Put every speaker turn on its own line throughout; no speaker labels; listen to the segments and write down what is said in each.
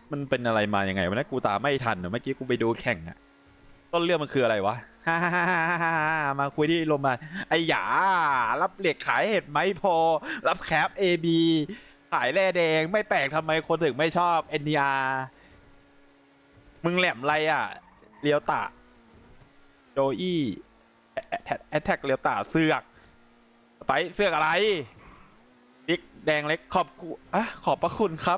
มันเป็นอะไรมายังไงวะนะกูตามไม่ทันเมื่อกี้กูไปดูแข่งอะต้นเรื่องมันคืออะไรวะฮ่าฮ่าฮ่าฮ่ามาคุยที่โรงพยาบาลไอ้หยารับเหล็กขายเห็ดไหมพอรับแคป AB ขายแร่แดงไม่แปลกทำไมคนถึงไม่ชอบ NDR มึงแหลมอะไรอ่ะเลียวตะโจอี้แอทแทกเลียวตะเสือกไปเสือกอะไรบิ๊กแดงเล็กขอบกูอ่ะขอบพระคุณครับ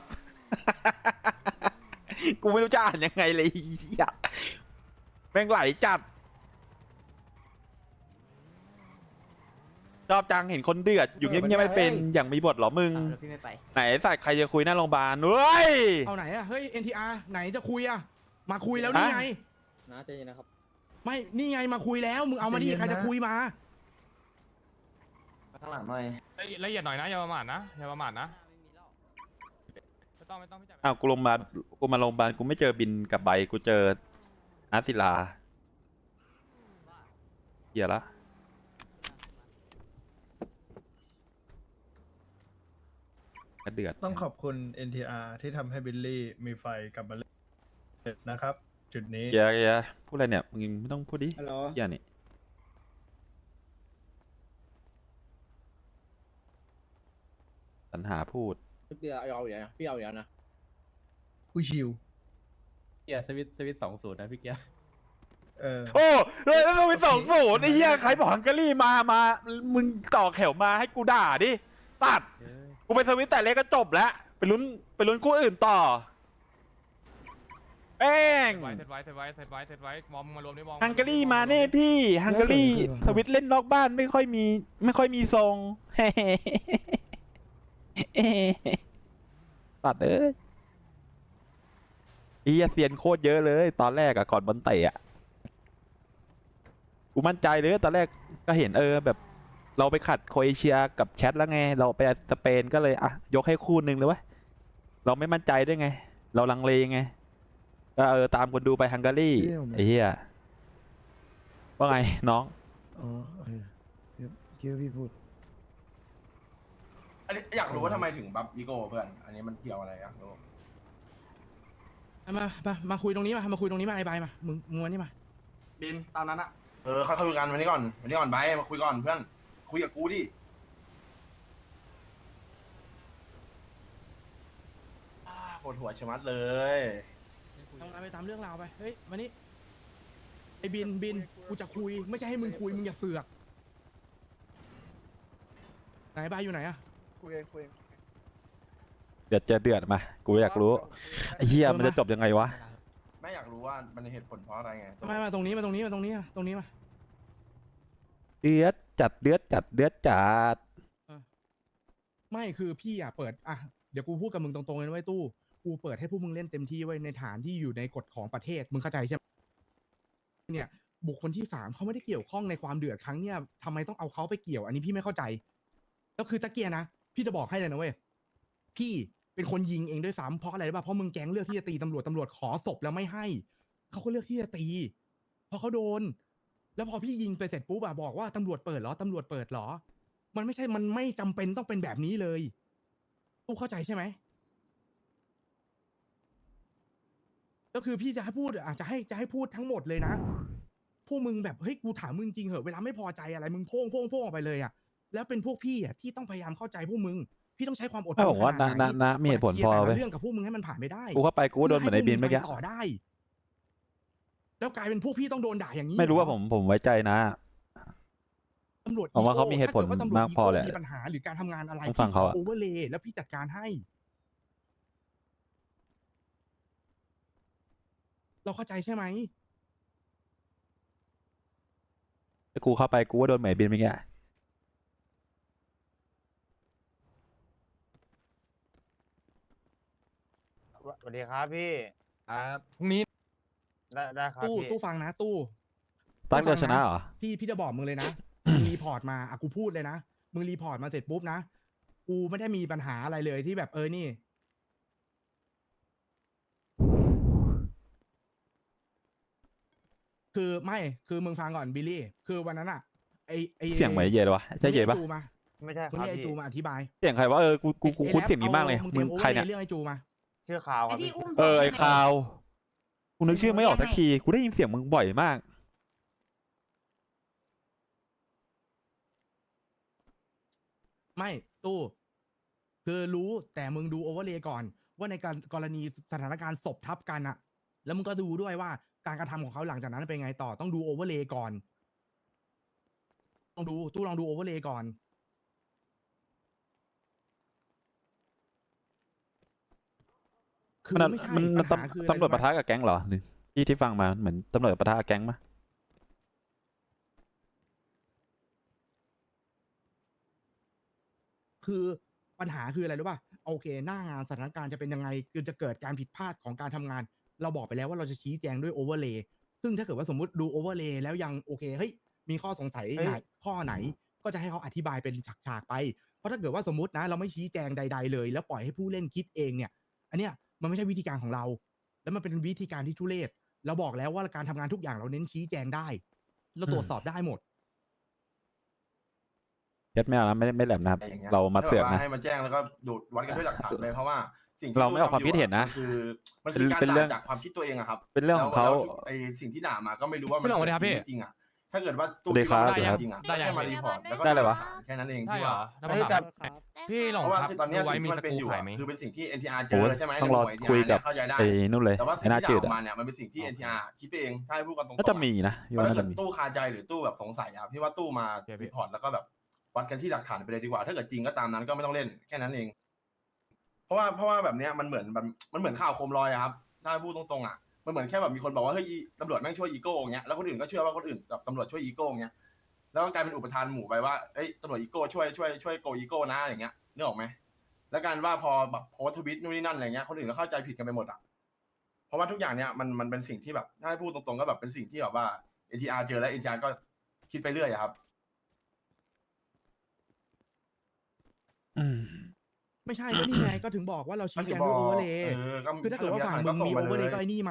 กูไม่รู้จะอ่านยังไงเลยอ่ะแม่งไหลจัดชอบจังเห็นคนเดือดอยู่เงียบๆไม่เป็นอย่างมีบทเหรอมึง
เดี๋ยวพี่ไม่ไป
ไหนสัตว์ใครจะคุยหน้าโรงพยาบาลเฮ้ย
เอาไหนอะเฮ้ย NTR ไหนจะคุยอะมาคุยแล้วนี่ไง
นะใจเย็นนะครับ
ไม่นี่ไงมาคุยแล้วมึงเอามาดิใครจะคุยมา
ข้างหลังหน่อย
ละเอียดหน่อยนะอย่าประมาทนะอย่าประมาทนะไม่ต้องพี่จัด
อ้าวกูมาโรงพยาบาลกูไม่เจอบินกับใบกูเจออาศิลาเหี้ยละกระเดือด
ต้องขอบคุณ NTR ที่ทำให้บิลลี่มีไฟกลับมาเล่นนะครับ จุดนี้
เหี้ยพูดอะไรเนี่ยมึงไม่ต้องพูดดิ
ฮัลโหล
เหี้ยนี่สรรหาพูด
พี่เอาอย่างนะพี่เอาอย่างนะ
ผู้ชิว
เกียร์สวิต20นะพี่เกียร์
โอ้เฮ้ยแล้วเราไปส่งหมูไอ้เหี้ยใครบอกฮังการีมามึงต่อแถวมาให้กูด่าดิตัดกูไปสวิตแต่เล็กก็จบแล้วไปลุ้นคู่อื่นต่อแป้ง
เซตไว้มองมารวมด้วยมอง
ฮังการีมาแน่พี่ฮังการีสวิตเล่นนอกบ้านไม่ค่อยมีทรง ตัดเอ้ยไอ้เหี้ยเซียนโคตรเยอะเลย ตอนแรกอะก่อนบอลเตะอะกูมั่นใจเลยตอนแรกก็เห็นแบบเราไปขัดโครเอเชียกับแชทแล้วไงเราไปสเปนก็เลยอ่ะยกให้คู่หนึ่งเลยเวะเราไม่มั่นใจด้วยไง เราลังเลไงก็ตามคนดูไปฮังการีไอ้เหี้ยว่าไงน้อง
อ๋อโอเคคิดว่าพี่พูด
อันนี้อยากรู้ว่าทำไมถึงบัฟอีโก้เพื่อน อันนี้มันเกี่ยวอะไรอยากรู้
มาคุยตรงนี้มาคุยตรงนี้มาไอ้ใบมามึงวันนี้มา
บินตามนั้นอะค่อยคุยกันวันนี้ก่อนไปมาคุยก่อนเพื่อน คุยกับกูดิปวดหัวชะมัดเลย
ทำงานไปตามเรื่องราวไปเฮ้ยมานี่ไอ้บินกูจะคุยไม่ใช่ให้มึงคุยมึงอย่าเสือกไหนใบอยู่ไหนอะ
คุยเอง
เดือดเจอเดือดมากูอยากรู้ไอ้เหี้ยมันจะจบยังไงวะ
ไม่อยากรู้ว่ามันเหตุผลเพราะอะไรไง
มาตรงนี้มา
เดือดจัดเดือดจัด
ไม่คือพี่อ่ะเปิดอ่ะเดี๋ยวกูพูดกับมึงตรงๆเลยนะไว้ยตู้กูเปิดให้พวกมึงเล่นเต็มที่ไว้ในฐานที่อยู่ในกฎของประเทศมึงเข้าใจใช่ไหมเนี่ยบุคคลที่3เขาไม่ได้เกี่ยวข้องในความเดือดครั้งเนี่ยทำไมต้องเอาเขาไปเกี่ยวอันนี้พี่ไม่เข้าใจแล้วคือตะเกียนะพี่จะบอกให้เลยนะเว้ยพี่เป็นคนยิงเองด้วยซ้ำเพราะอะไรรู้ป่ะเพราะมึงแก๊งเลือกที่จะตีตำรวจขอศพแล้วไม่ให้เขาก็เลือกที่จะตีเพราะเขาโดน แล้วพอพี่ยิงไปเสร็จปุ๊บอะบอกว่าตำรวจเปิดเหรอมันไม่ใช่มันไม่จำเป็นต้องเป็นแบบนี้เลยตู้เข้าใจใช่ไหมก็คือพี่จะให้พูดอาจจะให้พูดทั้งหมดเลยนะพวกมึงแบบเฮ้ยกูถามมึงจริงเหอะเวลาไม่พอใจอะไรมึงโพ่งออกไปเลยอะแล้วเป็นพวกพี่อะที่ต้องพยายามเข้าใจพวกมึงพี่ต้องใช้ความอดท
ถ้าน บอกว่า
ขนาดไหน
นะมีเหตุผลพอ
แต่
เว้
ละ
ย
เรื่องกับพวกมึงให้มันผ่านไปได้
กูเข้าไปกูก็โดนเหมือนไอ้บินเมื่อกี้
ต่อได้ แล้วกลายเป็นพวกพี่ต้องโดนด่าอย่างนี้
ไม่รู้ว่า
เหอ
ผมไว้ใจนะ
ตำรวจ
ผมว่าเขามีเหตุผล
ถ้กิดว่ตำรวจ
มากพอแหละ
มีปัญหาหรือการทำงานอะไร
ต้องฟังเขาอะ
โอเวอร์เลย์แล้วพี่จัดการให้ เราเข้าใจใช่ไหม
ถ้ากูเข้าไปกูก็โดนเหมือนไอ้บินเมื่อกี้
สวัสดีครับพี่
พรุ่งนี้
ได้ครับ
ตู้
พี่
ตู้ฟังนะตู้
ตั้งเดียวชนะเหรอ
พี่จะบอกมึงเลยนะ มึงรีพอร์ตมาอ่ะกูพูดเลยนะมึงรีพอร์ตมาเสร็จปุ๊บนะกูไม่ได้มีปัญหาอะไรเลยที่แบบนี่ คือไม่คือมึงฟังก่อนบิลลี่คือวันนั้นอ่ะไอ
เสียงเหมือนไอ้เย็ดวะใช่เย็ดปะ
จูมา
ไม่ใช่ค
มึง
รับ
เรียกไอ
พี่
จูมาอธิบาย
เสียงใครวะกูคุ้นเสียงนี้มากเลย
มึง
มึง
เตรียมโอเวอ
ใคร
ร์เล
เนี่ย
ย์เรื่องไอจูมา
ชื่อข่าวครับ
ไอ้ที่
พี่
อุ้ม
ไอ้
ศพ
ข่าวกูนึกชื่อไม่ออก
ยังไง
สักทีกูได้ยินเสียงมึงบ่อยมาก
ไม่ตู้คือรู้แต่มึงดูโอเวอร์เลย์ก่อน ว่าในการกรณีสถานการณ์ศพทับกันอะแล้วมึงก็ดูด้วยว่าการกระทำของเขาหลังจากนั้นเป็นไงต่อต้องดูโอเวอร์เลย์ก่อนต้องดูตู้ลองดูโอเวอร์เลย์ก่อน คือ
มัน
ไม่ใช่
มัน
ปัญหาคืออะไร
ตำรวจปะ
รู้
ทะกับแก๊งเหรอหรือที่ฟังมาเหมือนตำรวจปะทะกับแก๊งปะ
คือปัญหาคืออะไรรู้ป่ะโอเค หน้างานสถานการณ์จะเป็นยังไงคือจะเกิดการผิดพลาดของการทำงาน เราบอกไปแล้วว่าเราจะชี้แจงด้วยโอเวอร์เลย์ซึ่งถ้าเกิดว่าสมมติดูโอเวอร์เลย์แล้วยังโอเคเฮ้ยมีข้อสงสัยไหนข้อไหน ก็จะให้เขาอธิบายเป็นฉากๆไป เพราะถ้าเกิดว่าสมมตินะ เราไม่ชี้แจงใด ๆ เลย แล้วปล่อยให้ผู้เล่นคิดเองเนี่ย อันเนี้ยมันไม่ใช่วิธีการของเรา แล้วมันเป็นวิธีการที่ทุเรศเราบอกแล้วว่าการทำงานทุกอย่างเราเน้นชี้แจงได้เราตรวจสอบได้หมด
ยัดไม่เอานะไม่แหลมนะครับ
อะไรอย่างเงี้ย
เรามาเสือก
ถ้แบบว่
นะ
ให้มาแจ้งแล้วก็ดูดวัดกันด้วยหลักฐานเลยเพราะว่าสิ่งที่
เราไม่ออกความคิดเห็นนะ
มันคือการ
เป็นเรื่อง
ด่าจากความคิดตัวเองอะครับ
เป็นเรื่องของเขา
แล้วไอสิ่งที่ด่ามาก็ไม่รู้ว่ามัน
พี่หลงสวัสดีครับพี่
จริงๆอะถ้าเกิดว่าตู้
สวัสดีครับ
ที่เราไม่ได้จริงๆอะ
ได้ยัง
แค่มารีพอร์ตแล้วก็
ได้เลยวะ
แค่นั้นเอง
ใช่
ที่
เหร
ว่า
อแล้วมาถามพี่หลง
เพราะว่า
ครับ
ตอนเนี้ย
ดูไว้
สิ่ง
มี
ที่มัน
ส
เป็น
กรู
อยู่
ขาย
อะ
ไหม
คือเป็นสิ่งที่ NTR เจ
โอ้
อใช่ไหม
ต้องรอ
ในมุมของ
คุย
NTR
กับ
เข้าใจได้
ไอ้นู่นเลย
แต่ว่า
ไอ้
สิ่ง
หน้า
ที่
จื
ด่า
ด
ออก
อะ
มาเนี่ยมันเป็นสิ่งที่ NTR คิดไปเองถ้าให้พูดกันตรงๆ
น่าจะมีนะพี่
เพราะ
ว่า
ถ้า
น่า
เกิ
จะ
ด
มี
ตู้คาใจหรือตู้แบบสงสัยอะพี่ว่าตู้มา
โอเคพี่
รีพอร์ตแล้วก็แบบวัดกันที่หลักฐานไปเลยดีกว่า ถ้าเกิดจริงก็ตามนั้นก็ไม่ต้องเล่นแค่นั้นเอง เพราะว่าแบบเนี้ยมันเหมือนข่าวโคมลอยอะครับถ้าพูดตรงๆอะมันเหมือนแค่แบบมีคนบอกว่าเฮ้ยตำรวจแม่งช่วยอีโก้อย่างเงี้ยแล้วคนอื่นก็เชื่อว่าคนอื่นกับตำรวจช่วยอีโก้อย่างเงี้ยแล้วก็กลายเป็นอุปทานหมู่ไปว่าเอ้ยตำรวจอีโก้ช่วยโกอีโก้นะอย่างเงี้ยนึกออกไหมแล้วการว่าพอแบบโพสต์ทวิตนู่นนี่นั่นอะไรเงี้ยคนอื่นก็เข้าใจผิดกันไปหมดอะเพราะว่าทุกอย่างเนี้ยมันเป็นสิ่งที่แบบถ้าให้พูดตรงๆก็แบบเป็นสิ่งที่แบบว่า NTR เจอแล้ว NTR ก็คิดไปเรื่อยอะครับ
อืม
ไม่ใช่แล้วนี่ไงก็ถึงบอกว่าเราชี้แจงด้วยโอเวอร์เลย์
ก็
คือถ้าเกิดว่าฝั่งมึงมีโอเวอร์เลย์ก็ไอ้นี่มา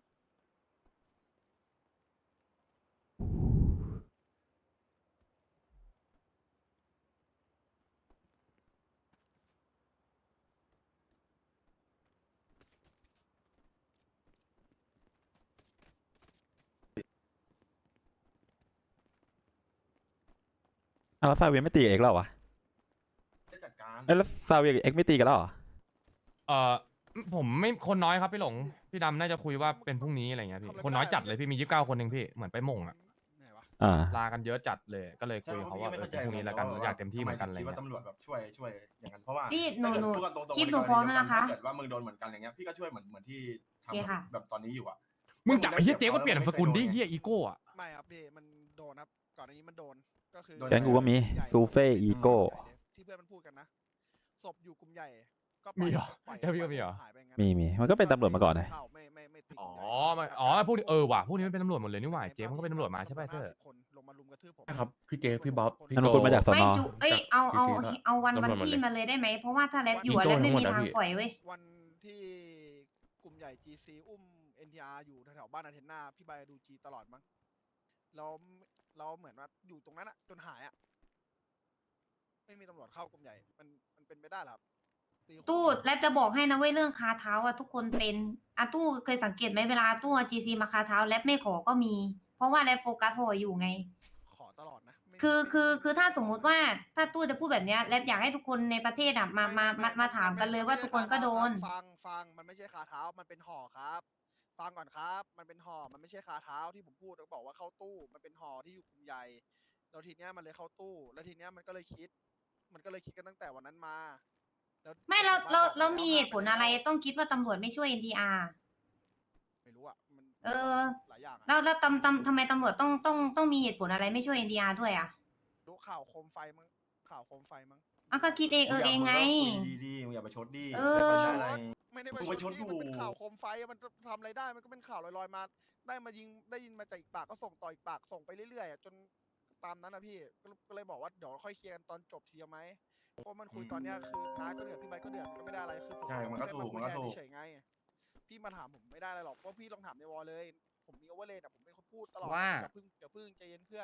แล้วซาเวียไม่ตีกับเอ็กซ์แล้วเหรอวะ
ได้จัดการ
แล้วซาเวียกับเอ็กซ์ไม่ตีกันแล้วเหรอ
เอ่อผมไม่คนน้อยครับพี่หลงพี่ดำน่าจะคุยว่าเป็นพรุ่งนี้อะไรเงี้ยพี่คนน้อยจัดเลยพี่มี29 คนเองพี่เหมือนไปหม่งอะ
อ่า
ลากันเยอะจัดเลยก็เลยคุยกับเขาว่าเป็นพรุ่งนี้แล้วกันอยากเต็มที่เหมือนกันอะไร
คิดว่า
เงี้ย
ตำรวจแบบช่วยอย่างนั้นเพราะว่า
พี่หนู
พูดกันตรงๆ
คลิปหนูพร้อมแล้วนะคะ
ถ้าเกิดว่ามึงโดนเหมือนกันอย่างเงี้ยพี่ก็ช่วยเหมือนที่ท
โอเคค่ะ
ำแบบตอนนี้อยู่อะ
มึงจับไอ้เฮียเจ๊ก็เปลี่ยนนามสกุลดิเฮียอีโก้อะ
ไม่ครับพี่มันโดนครับก่อนอันนี้มันโดนก็คือ
แก๊งกูก็มีซูเฟ่อีโก้
ที่เพื่อนมันพูดกันนะศพอยู่กลุ่มใหญ่ก็
มีเหรอ
ปล่อย
แค่พี่ก็มีเหรอ
หายไปงั้น
มีมันก็เป็นตำรวจมาก่อนนะ
เข้าไม่ติด
อ๋อก
ลุ่มใหญ่
พวกนี้ว่ะพวกนี้มันเป็นตำรวจหมดเลยนี่หว่าเจ๊มันก็เป็นตำรวจมาใช่ป่ะเธอ
50คนลงมารุมกระทืบผม
ครับพี่เจพี่บ๊อบพี่
นั่นมันคุณมาจากส
ไม่
น
จุเอ้ยเอา
พี่ซีก็
เอาวัน
ตำรวจหมด
ที่
เลย
มาเลยได้ไหมเพราะว่าถ้าแรปอยู่
อี
อะ
โจ้
แรปไม่
ทั้งหม
มี
ดอะ
ทาง
พี่
ปล่อยเว้ย
วันที่กลุ่มใหญ่ GC อุ้ม NTR อยู่แถวๆบ้านอาเทนนาพี่ใบดูจีตลอดมั้งเราเหมือนว่าอยู่ตรงนั้นอะจนหายอะไม่มีตำรวจเข้ากลุ่มใหญ่มันเป็นไปได้เหรอครับตีคู่
ตู้แรปจะบอกให้นะเว้ยเรื่องคาเท้าอะทุกคนเป็นอะตู้เคยสังเกตไหมเวลาตู้เอา GC มาคาเท้าแรปไม่ขอก็มี เพราะว่าแรปโฟกัสโหอยู่ไง
ขอตลอดนะไม่
คือถ้าสมมุติว่าถ้าตู้จะพูดแบบเนี้ยแรปอยากให้ทุกคนในประเทศอะมาถามกันเลยว่าทุกคนก็โดน
ฟังมันไม่ใช่คาเท้ามันเป็นห่อครับฟังก่อนครับมันเป็นห่อมันไม่ใช่คาเท้าที่ผมพูดแล้วบอกว่าเข้าตู้มันเป็นห่อที่อยู่กลุ่มใหญ่แล้วทีเนี้ยมันเลยเข้าตู้แล้วทีเนี้ยมันก็เลยคิดกันตั้งแต่วันนั้นมาแล้ว
ไม่เรา
ผมบอก
เรามี
แล้ว
เหตุผลอะไรต้องคิดว่าตำรวจไม่ช่วย NTR
ไม่รู้อ่ะมัน
เออ
หลายอย่างอะ
แล้วทำไมตำรวจต้องมีเหตุผลอะไรไม่ช่วย NTR ด้วยอ่ะ
ดูข่าวโคมไฟมั้ง
อ่ะก็คิดเองเองไง
คุยดีๆมึงอย่าไปชดดี
เออ
ไม่ใช่อะไร
ไม่ได้
กูไปชด
ที่
อยู่
มันเป็นข่าวโคมไฟอะมันทำอะไรได้มันก็เป็นข่าวลอยๆมาได้ยินมาจากอีกปากก็ส่งต่ออีกปากส่งไปเรื่อยๆอะจนตามนั้นนะพี่ก็เลยบอกว่าเดี๋ยวค่อยเคลียร์กันตอนจบทีเอาไหมเพราะมันคุยตอนเนี้ยคือน้าก็เดือดพี่ใบก็เดือดมันก็ไม่ได้อะไรคือผม
ใช่มันก็ถูก
แค่าคุย
มันก็ถูก
แทเฉยๆไงพี่มาถามผมไม่ได้อะไรหรอกเพราะพี่ลองถามในวอลเลย ผมมีโอเวอร์เลยแต่ผมเป็นคนพูดตลอด
ว่า
อย่าพึ่งใจเย็นเพื่อน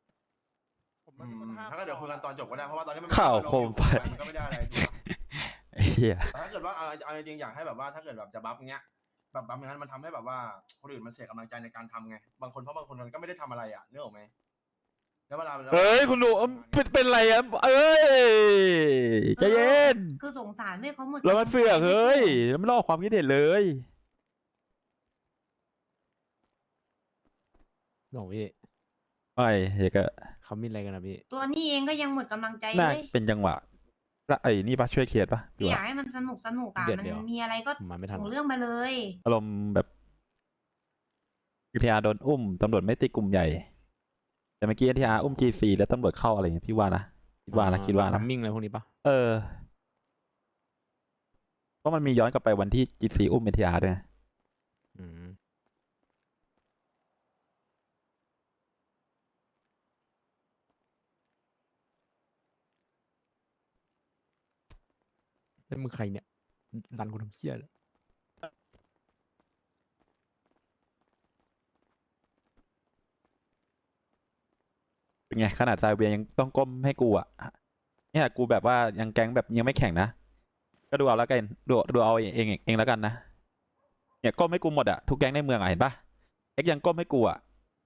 ผมมันเป็นคนห้าม
ถ้าก็เดี๋ยวคุยกันตอนจบก็ได้เพราะว่าตอนนี้มัน
ข่าวโคมไฟ
มันก็ไม่ได้อะไรถูกปะ
ไอ้เหี้ย
แต่ถ้าเกิดว่าเอาจริงๆอยากให้แบบว่าถ้าเกิดแบบจะบัฟเงี้ยแบบบัฟอย่างนั้นมันทำให้แบบว่าคนอื่นมันเสียกำลังใจในการทำไงบางคนมันก็ไม่ได้ทำอะไรอ่ะนึกออกไหมแล้วเวลา
เฮ้ยคุณดูเป็นไรอ่ะเอ้ยใจเย็น
คือสงสารเว้ยเขาหมด
แล้วมันเสือกเฮ้ยแล้วไม่รอความคิดเห็นเลย
หลงพี่
ไม่เหี้ยก็
เขามีอะไรกันนะพี่
ตัวนี้เองก็ยังหมดกำลังใจ
น่า
เลย
เป็นจังหวะแล้วไอ้นี่ปะช่วยเคลียร์ปะหรือ
อยาก
ว่า
ให้มันสนุกอ่ะ
เดี๋ยว
มัน
เดี๋ยว
มีอะไรก็
ผมมาไม่ทัน
ส่งเรื่องมาเลย
อารมณ์แบบNTR โดนอุ้มตำรวจไม่ตีกลุ่มใหญ่ แต่เมื่อกี้ NTR อุ้ม G4 แล้วตำรวจเข้าอะไรเงี้ยพี่ว่านะคิดว่านะ
ทัมมิ่งอะไรพวกนี้ปะ
เออเพราะมันมีย้อนกลับไปวันที่ G4 อุ้ม NTR ด้วยนะ
อืมแล้วมึงใครเนี่ยดันกูทำเชี่ยเลย
เป็นไงขนาดซาเวียยังต้องก้มให้กูอ่ะเนี่ยกูแบบว่ายังแก๊งแบบยังไม่แข่งนะก็ดูเอาแล้วกันดูเอาเองแล้วกันนะเนี่ยก้มให้กูหมดอ่ะทุกแก๊งในเมืองอ่ะเห็นปะเอ็กยังก้มให้กูอ่ะ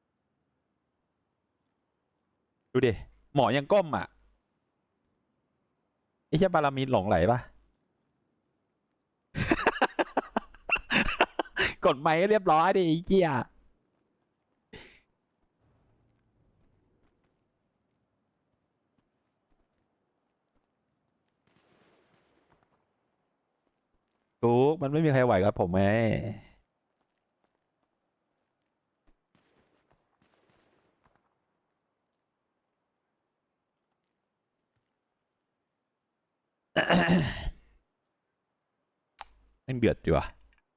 ดูดิหมอยังก้มอ่ะไอ้เหี้ยบารามีหลงไหลปะ กดไมค์ให้เรียบร้อยดิไอ้เหี้ยทุกมันไม่มีใครไหวกับผมไง ยังเดือดอยู่อ่ะ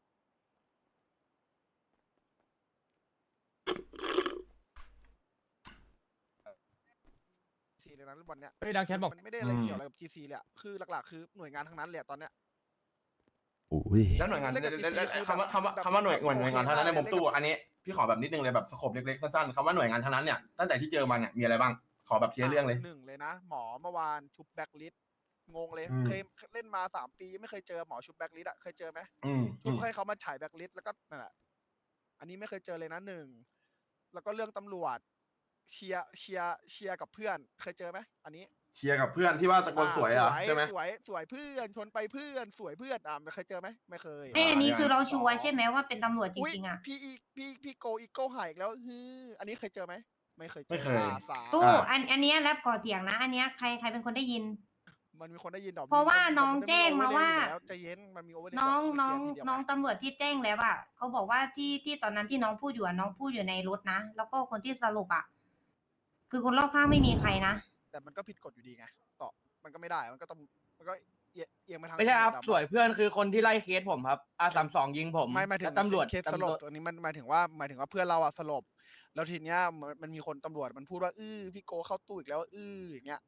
ทีเลยนะเรื่องบอลเนี้ย
เฮ้ยดังแคทบอก
มันไม่ได้อะไรเกี่ยวอะไรกับ GC เลยอะคือหลักๆคือหน่วยงานทั้งนั้นเลยอะตอนเนี้ย
อุ้ย
แล้วหน่วยงาน
เล่นกับ GC คือ
คำว่า
แบบ
คำว่าหน่วย
แบบ
งานเท่านั้นใน
โอเค
มุมตู้
มากเลย
อันนี้พี่ขอแบบนิดนึงเลยแบบสโคปเล็กๆสั้นๆคำว่าหน่วยงานเท่านั้นเนี่ยตั้งแต่ที่เจอมาเนี่ยมีอะไรบ้างขอแบบเคลียร์เรื่องเลย
หนึ่งเลยนะ หมอเมื่อวานชุบแบ็กลิสงงเลย
อืม
เคยเล่นมา3 ปีไม่เคยเจอหมอชุบแบ็กลิสอะเคยเจอไหม ชุ
อื
บ
ม
ให้เขามาฉายแบ็กลิสแล้วก็นั่นแหละอันนี้ไม่เคยเจอเลยนะ1แล้วก็เรื่องตำรวจเชียร์กับเพื่อนเคยเจอไหมอันนี้
เชียร์กับเพื่อนที่ว่าตะโกนสวยอ่ะใช่ไหม
สวยเพื่อนชนไปเพื่อนสวยเพื่อนไม่เคยเจอไหมไม่เคย
อันนี้
อ่า
คือเราชัวร์ใช่ไหมว่าเป็นตำรวจจ
อุ๊ย
ริงๆอ่ะ
พี่โกอีโก้หายอีกแล้วอันนี้เคยเจอไหมไม่เคยเจอ
ไม่เคย
สาม
ตู้อันเนี้ยแรปก่อเถียงนะ อันเนี้ยใครเป็นคนได้ยิน
มันมีคนได้ยินดอก
เพราะว่าน้อง
มั
แจ้งมาว่า
ใจเย็นมันมีโอเวอร์เลย์
น้อง
บก
น้อง
เคลียร์ทีเดียว
น้องตำรวจที่แจ้งแล้วอ่ะเขาบอกว่าที่ตอนนั้นที่น้องพูดอยู่อะน้องพูดอยู่ในรถนะ แล้วก็คนที่สรุปอ่ะคือคนรอบข้างไม่มีใครนะ
แต่มันก็ผิดกฎอยู่ดีไงต่อมันก็ไม่ได้มันก็เอียงไปทาง
ไม่ใช่ครับ
ตำวจ
สวยเพื่อนคือคนที่ไล่เคสผมครับR32ยิงผม
ไม่หมายถึง
แล้วตำรวจ
เคสสลบตัวนี้มันหมายถึงว่าเพื่อนเราอะสลบแล้วทีเนี้ยมันมีคนตำรวจมันพูดว่าพี่โกเข้าตู้อีกแล้วอย่างเงี้ย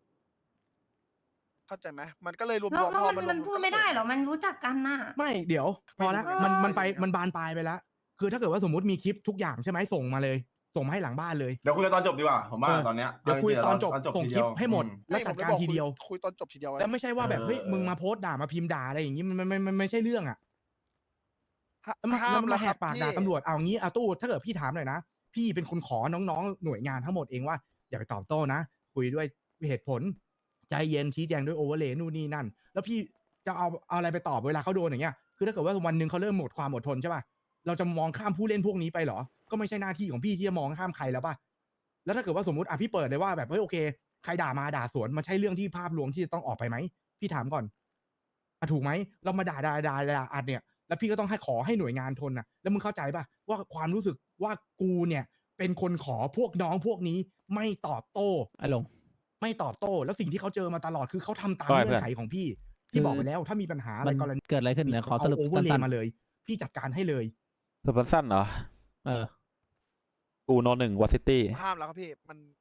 เข้าใจไหมมันก็เลยรวม
แล้ว
พอ
มันพูดไม่ได้เหรอ มันรู้จักกันน่ะ
ไม่เดี๋ยว พอละ
ไม่รู้
มันบานปลายไปแล้ว คือถ้าเกิดว่าสมมติมีคลิปทุกอย่างใช่ไหมส่งมาเลย ส่งมาให้หลังบ้านเลย
เดี๋ยวคุยกันตอนจบดีกว่าผมว่า
เออ
ตอนเนี้ย
เดี๋ยวคุยตอนจบ
ตอน
ส่ง
ที
คลิป
เดียว
ให้หมด
อื
แล้วจัดการทีเดียว
คุยตอนจบทีเดียว
แล้วไม่ใช่ว่าแบบเฮ้ย
เออ
มึงมาโพสต์ด่ามาพิมพ์ด่าอะไรอย่างงี้มันไม่ใช่เรื่องอ่ะแล้วมา
ห้าม
มาแหกปาก
พี่
ด่าตำรวจเอางี้ตู้ถ้าเกิดพี่ถามหน่อยนะพี่เป็นคนขอน้องๆหน่วยงานทั้งหมดเองว่าอย่าไปตอบโต้นะคุยด้วยเหตุผลใจเย็นชี้แจงด้วยโอเวอร์เลย์นู่นนี่นั่น แล้วพี่จะเอาอะไรไปตอบเวลาเขาโดนอย่างเงี้ยคือถ้าเกิดว่าวันหนึ่งเขาเริ่มหมดความอดทนใช่ป่ะเราจะมองข้ามผู้เล่นพวกนี้ไปเหรอก็ไม่ใช่หน้าที่ของพี่ที่จะมองข้ามใครแล้วป่ะแล้วถ้าเกิดว่าสมมติพี่เปิดเลยว่าแบบเฮ้ยโอเคใครด่ามาด่าสวนมันใช่เรื่องที่ภาพรวมที่จะต้องออกไปไหมพี่ถามก่อนถูกไหมเรามาด่าอัดเนี่ยแล้วพี่ก็ต้องขอให้หน่วยงานทนนะแล้วมึงเข้าใจป่ะว่าความรู้สึกว่ากูเนี่ยเป็นคนขอพวกน้องพวกนี้ไม่ตอบโต้
ไอ้หลง
ไม่ตอบโต้แล้วสิ่งที่เขาเจอมาตลอดคือเขาทำตาม
ใช่
เงื่อนไขของพี่ พี่บอกไปแล้วถ้ามีปัญหาอะไร
มัน
กรณี
เกิดอะไรขึ้นเนี่ยขอสรุป
โอเวอร์เล
สั้น
ย์มาเลย พี่จัดการให้เลย
สปอนสั้นเหรอ
ๆเออ
กูโน1วอซิตี้
ห้ามแล้วครับพี่มัน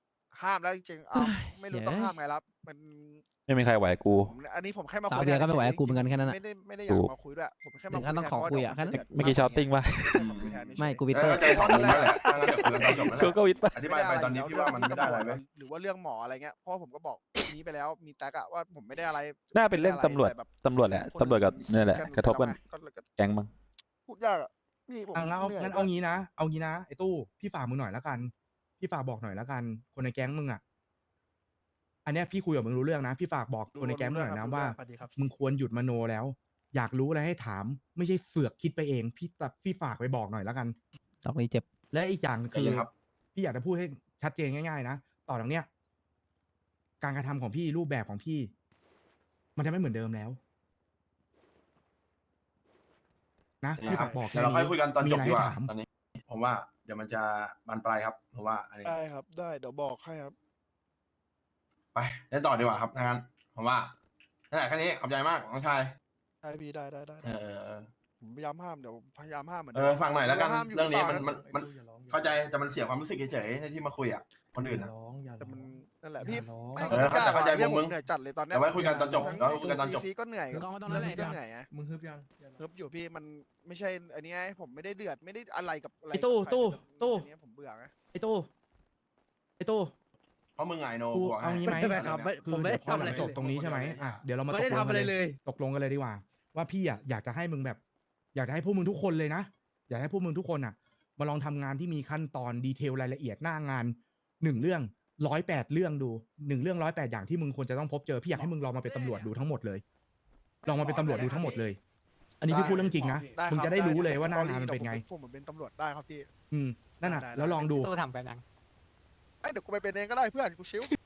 ห้ามแล้วจริงๆอ้าวไม่รู้ต้องห้ามไงครับมัน
ไม่มีใครไหวกู
ผมอันนี้ผมแค่มา
สาว
คุย
เบียร์ก็ไม่ไหว
ฉ
กับกูเหมือนกันแค่นั้นน่ะ
ไม่ได้อยากมาคุยด้วยผมแค่มา
ถึงขั้นต้องขอคุยอะแค่นั้น
เมื่อกี้ชาวติ้งป่ะ
ไม่กูวิ
เอ
เตอ
อ
ร์
ใจสองมุมนั่นแหละถ้างั้นเดี๋ยวคุยกันตอนจบนั่นแห
กู
ละ
ก็วิทย์ป่ะ
อธิบายไปตอนนี้พี่ว่ามันไม่ได้อะไรไหม
หรือว่าเรื่องหมออะไรเงี้ยเพราะผมก็บอกนี้ไปแล้วมีแท็กอะว่าผมไม่ได้อะไร
น่าเป็นเรื่องตำรวจ
แต่แบบ
ตำรวจแหละตำรวจกับนี่แหละกระทบกัน
ก็
แก๊งมั้ง
พูดยากอะพี่ผม
งั้นเอา
หนื่ย
งั้นเอางี้นะเอางี้นะไอ้ตู้พี่ฝากมึงหน่อยละกัน พี่ฝากบอกหน่อยละกัน คนในแก๊งมึงอ่ะอันเนี้ยพี่คุยกับมึงรู้เรื่องนะพี่ฝากบอกคนในแก๊งมึงหน่อยนะว่า
สวัสดีครับ
มึงควรหยุดมโนแล้ว อยากรู้อะไรให้ถาม ไม่ใช่เสือกคิดไปเอง พี่ฝากไปบอกหน่อยละกัน
ตอกนี้เจ็บ
และอีกอย่าง
ใจ
คือ
เย็นครับ
พี่อยากจะพูดให้ชัดเจนง่ายๆนะต่อจากเนี้ยการกระทำของพี่รูปแบบของพี่ มันจะไม่เหมือนเดิมแล้ว นะพี่ฝากบอก
เดี๋ยวเราค่อยคุยกันตอนจบ
มีะไร
ดีกว่า
ให้ถม
ตอนนี้ ผมว่าเดี๋ยวมันจะบานปลายครับผมว่าอันนี้
ได้ครับได้เดี๋ยวบอกให้ครับ
ไปเล่นต่อดีกว่าครับถ้างั้นผมว่านั่นแหละแค่นี้ขอบใจมากน้องชาย
ได้พี่ได้
เออ
ผมพยายามห้ามเดี๋ยวพยายามห้ามเหมือน
เอ
เดิ
อ
ม
ฟังหน่อยแล้วกัน
พาามยู่
เรื่องนี้
ต่
มันเข้าใจแต่มันเสียความรู้สึกเฉยๆในที่มาคุยอ่ะคนอื่นอ่ะ
แต่มันนั่นแหละพี่
เออเข้าใจมุมมึง
เหนื่อยจัดเลยตอนเนี้
แต่ไว้คุยกันตอนจบแล้วคุยกันตอนจบ
ซีก็เหนื่อย
ก็ไม่ต้องนั่นแหละ
ก็เหนื่อยไง
มึงฮึบยัง
ฮึบอยู่พี่มันไม่ใช่อันนี้ไงผมไม่ได้เดือดไม่ได้อะไรกับอะไร
ไอ้ตู้
กับใคร
ตู้
แต่
ตู้
อันนี้ผมเบื่อไง
ไอ้ตู้ไอ้ตู้
เพราะมึงไงโน
กู
บอกให้
เอางี้ไหม
ไม่ครับไม่
คือ
ผมไม่ได้
เดี๋ยวพอ
ทำอะไร
หลังจบตรงนี้ใช่ไหมอ่ะเดี๋ยวเรามา
ไม่ได้
ตกลง
ทำอะไร
กัน
เลย
ตกลงกันเลยดีกว่า ว่าพี่อ่ะอยากจะให้มึงแบบ อยากจะให้พวกมึงทุกคนเลยนะ อยากให้พวกมึงทุกคนอ่ะ มาลองทำงานที่มีขั้นตอนดีเทลรายละเอียดหน้างาน1 เรื่อง108 เรื่องดู1 เรื่อง108 อย่างที่มึงควรจะต้องพบเจอพี่อยากให้มึงลองมาเป็นตำรวจดูทั้งหมดเลย ลองมาเป็นตำรวจดูทั้งหมดเลย อันนี้พี่พูดเรื่องจริงนะ
ได้
มึง
ครับ
จะได้รู้เลยว่าหน้า
ดี๋
งานมันเป็นไง
ผมเหมือนเป็นตำรวจได้ครับพี่
นั่นน่ะ
ได้
แล้วลองดู
ตู้ทำไปนัง
เอ้ยเดี๋ยวกูไปเป็นเองก็ได้เพื่อนกูชิว